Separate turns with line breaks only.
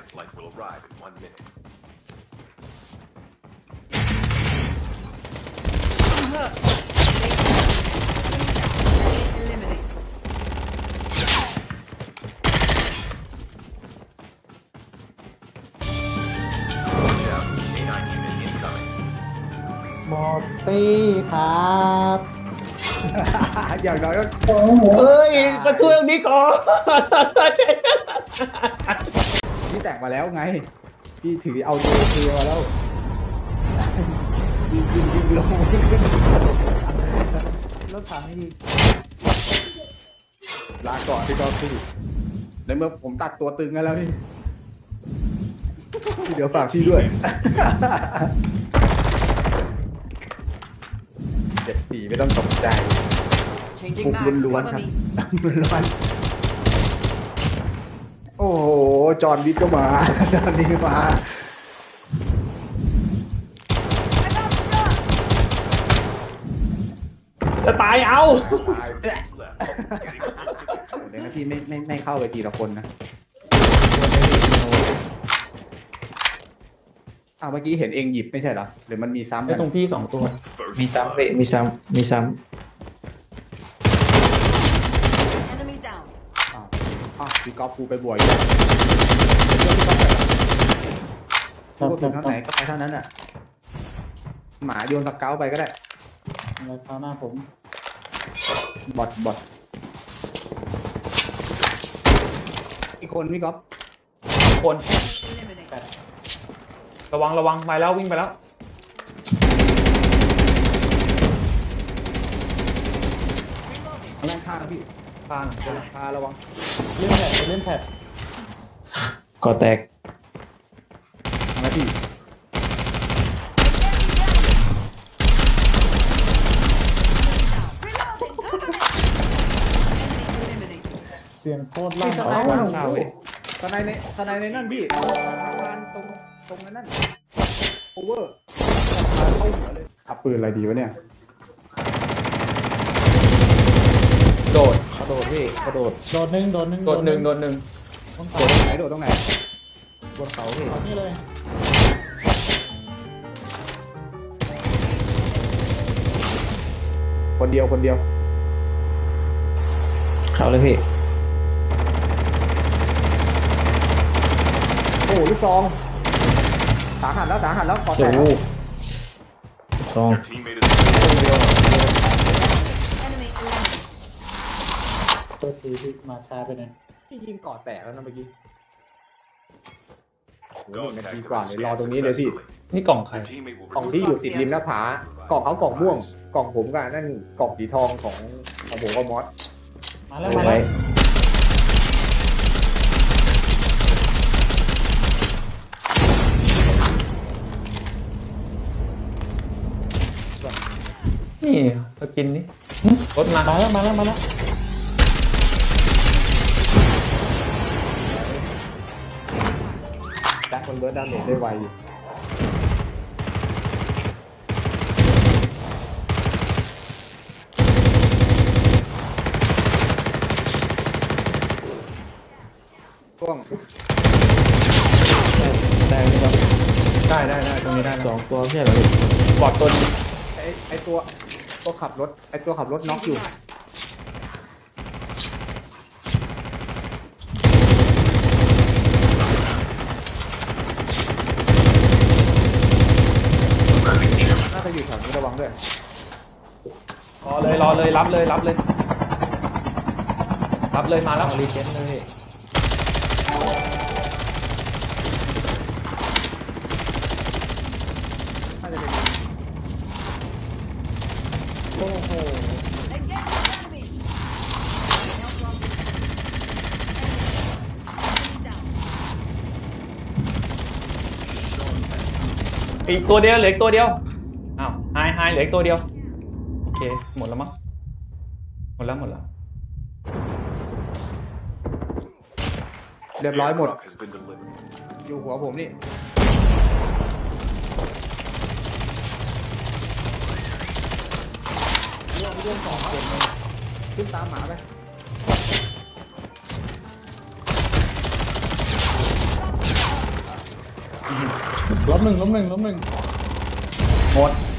supply flight will arrive in 1 minute.
Eliminate.
Watch out. A9 unit incoming.
หมดตี้ครับ อย่างน้อยก็
เฮ้ยมาช่วยตรงนี้ก่อน
พี่แตกมาแล้วไง พี่ถือเอาตัวเทีมาแล้วยิงลงรถถังนี่ลาก่อนพี่กอล์ฟพี่ในเมื่อผมตัดตัวตึงกันแล้วพี่เดี๋ยวฝากพี่ด้วย74ไม่ต้องตกใจ
Changing
บุก
mag.
ล้วนๆ
Follow
ครับ
me.
ล้วนๆโอ้โห จอห์นวิทย์ก็มา จอห์นวิทย์มา
จะตายเอา
ตาย
Left. Getting close to
เดี๋ยวนะพี่ไม่เข้าไปทีละคนนะอ้าวเมื่อกี้เห็นเองหยิบไม่ใช่เหรอหรือมันมีซ้ำ
ไอ้
กัน
ตรงพี่2 ตัว
first
มีซ้ำ
blood.
เว้ยมีซ้ำ
Enemy down.
อ้าวพี่ก๊อฟกูไปบวกอีกแล้วกูถึงเท่าไหนก็ไปเท่านั้นอ่ะ หมาโยนตะเกาไปก็ได้
อะไรคราวหน้าผม
บอทอีกคนพี่ก๊อฟ
คน
Eliminate.
ระวังไปแล้ววิ่งไปแล้ว
ด้านข้างพี่
ข้าง
พาระวัง
เล่นแพดก่อแตก
นะพี่
Eliminate.
เสียงโคตร
ไอ้
ลั่น
สไน
เอา
เปอ
วาง
ร์
ข้าวเว้ย
สไนในนั่นพี่วางตรงนั้นโอเวอร์เข้าหัวเลยขับปืนอะไรดีวะเนี่ย
โดด
กระโดดพี่กระโดดโดดหนึ่ง
โดดหนึ่ง
ต้อง
โดดตรงไหนโดดตรงไหน
บนเขาพี่นี่เลย
คนเดียว
เขาเลยพี่
โอ้ลูกซองสาหัสแล้วขอแต
โอ้
ก
โหซอง
Your teammate is
Enemy eliminated.
ตัวตีพี่มาช้าไปหน่อย
พี่ยิงก่อแตกแล้วนะเมื่อกี้
go
นาที
tactical
กว่าเลยรอตรงนี้เลยพี่
successfully.
นี่กล่องใคร
Your teammate will
กล่อง
resume
ที่อยู่ติดริมหน้าผากล่องเขากล่องม่วง กล่องผมกับนั่นกล่องสีทองของผมกับมอส
มาแล้ว
เอา
มา
ไว้
แล้ว
นี่สกินนี่รถมา
มาแล้ว
แต่คนเบิร์ดดาเมจได้ไวอยู่ช่วง
แตกเลยครับ
ได้ตรงนี้ได้นะ
2 ตัวไม่ใช่เหรอพี่
บอดตัวนึง
ไอตัวขับรถน็อกอยู่ น่าจะอยู่แถวนี้ระวังด้วย
รอเลยรับเลยมาแล้ว
รีเจนเลยพี่
น่าจะเป็น
โอ้โห
Engage the enemy. Enemy down.
อีกตัวเดียวเหลืออีกตัวเดียวอ้าวหายเหลืออีกตัวเดียวโอเคหมดแล้วมั้งหมดแล้ว
เรียบร้อยหมด
Truck has been delivered.
อยู่หัวผมนี่ เรื่อง2คนเลยขึ้นตามหมาไป
ล้มหนึ่ง
หมด